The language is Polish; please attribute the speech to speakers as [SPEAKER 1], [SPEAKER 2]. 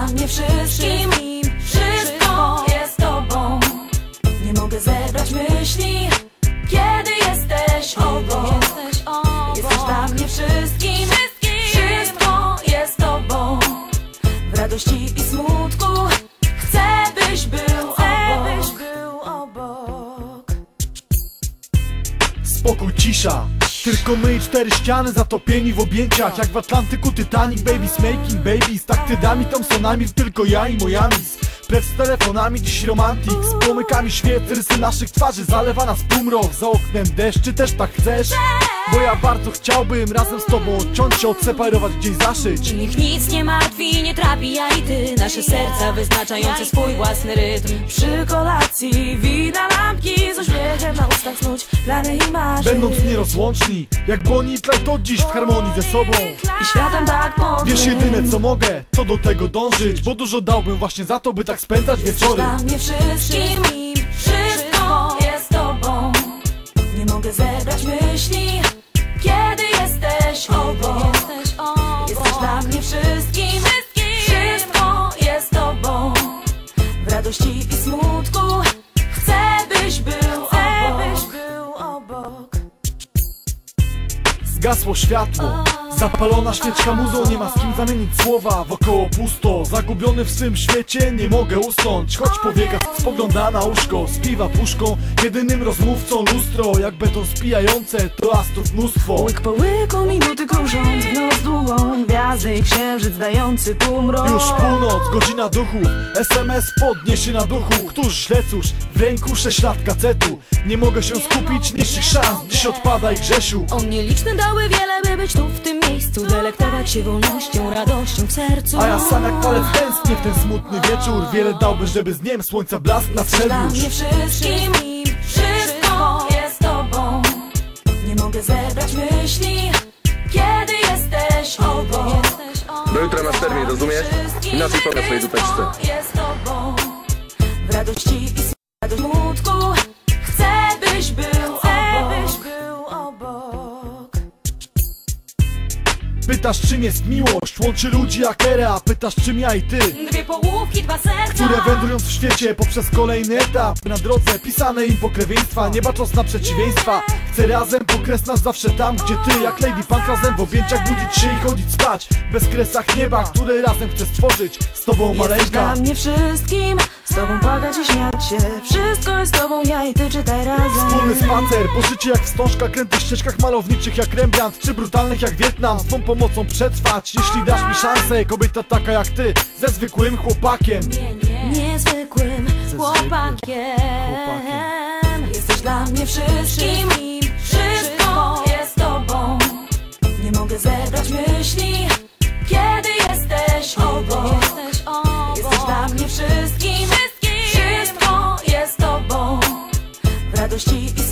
[SPEAKER 1] dla mnie wszystkim. Wszystko jest tobą. Nie mogę zebrać myśli, kiedy jesteś obok. Jesteś dla mnie wszystkim. Wszystko jest tobą. W radości i smutku chcę, byś był obok.
[SPEAKER 2] Spokój, cisza, tylko my i cztery ściany zatopieni w objęciach. Jak w Atlantyku Titanic, babies making babies. Tak tydami, Thompsonami, tylko ja i Mojamis. Precz z telefonami, dziś romantik. Z płomykami świec, rysy naszych twarzy. Zalewa nas półmrok, za oknem deszcz. Czy też tak chcesz? Bo ja bardzo chciałbym razem z tobą odciąć się, odseparować, gdzieś zaszyć.
[SPEAKER 1] Niech nic nie martwi, nie trapi, ja i ty. Nasze serca wyznaczające swój własny rytm. Przy kolacji wina lampki, z uśmiechem na ustach snuć plany i marzeń.
[SPEAKER 2] Będąc nierozłączni, jak Bonnie i Clyde, to dziś w harmonii ze sobą.
[SPEAKER 1] I światem tak podły.
[SPEAKER 2] Wiesz, jedyne co mogę, to do tego dążyć. Bo dużo dałbym właśnie za to, by tak spędzać wieczory.
[SPEAKER 1] Dla mnie wszystkim, wszystko jest tobą. Nie mogę zebrać myśli, kiedy jesteś obok. Jesteś dla mnie wszystkim. Wszystko jest tobą. W radości i smutku chcę, byś był obok.
[SPEAKER 2] Zgasło światło, zapalona świeczka muzą, nie ma z kim zamienić słowa. Wokoło pusto, zagubiony w swym świecie, nie mogę usnąć. Choć powieka, spogląda na łóżko, spiwa puszką, jedynym rozmówcą lustro. Jak beton spijające, to astrów mnóstwo.
[SPEAKER 1] Łyk po łyku, minuty krążąc w nos długą. Gwiazdy i księżyc dający półmrok.
[SPEAKER 2] Już północ, godzina duchu, SMS podniesie na duchu. Któż źle, cóż, w ręku 6 lat kacetu. Nie mogę się skupić, niższych szans, dziś odpadaj Grzesiu.
[SPEAKER 1] On nieliczne dały wiele, by być tu w tym miejscu. Delektować się wolnością, radością w sercu.
[SPEAKER 2] A ja sam jak palec tęsknię w ten smutny wieczór. Wiele dałbym, żeby z dniem słońca blask nadszedł
[SPEAKER 1] dla
[SPEAKER 2] już.
[SPEAKER 1] mnie wszystkim, wszystko jest tobą. Nie mogę zebrać myśli, kiedy jesteś obok.
[SPEAKER 3] Do jutra masz termin, rozumiesz? Inaczej pokaż swojej dupeczce.
[SPEAKER 1] Jest tobą. W radości i smutku chcę, byś był obok.
[SPEAKER 2] Pytasz, czym jest miłość, łączy ludzi jak era. Pytasz, czym ja i ty,
[SPEAKER 1] Dwie połówki, dwa serca,
[SPEAKER 2] które wędrując w świecie poprzez kolejny etap na drodze pisane im pokrewieństwa, nie bacząc na przeciwieństwa. Chcę razem, bo kres nas zawsze tam, gdzie ty. Jak Lady Punk razem w objęciach budzić się i chodzić spać. Bez kresach nieba, które razem chcę stworzyć z tobą,
[SPEAKER 1] jesteś
[SPEAKER 2] maleńka.
[SPEAKER 1] dla mnie wszystkim, z tobą płakać i śmiać się. Wszystko jest z tobą, ja i ty, czytaj razem.
[SPEAKER 2] Wspólny spacer, po życie jak wstążka, krętych ścieżkach malowniczych jak Rembrandt, czy brutalnych jak Wietnam. Z twą pomocą przetrwać, jeśli dasz mi szansę. Kobieta taka jak ty, ze zwykłym chłopakiem.
[SPEAKER 1] Niezwykłym chłopakiem. Jesteś dla mnie wszystkim, wszystko jest tobą. Nie mogę zebrać myśli, kiedy jesteś obok. Jesteś dla mnie wszystkim, wszystko jest tobą. W radości i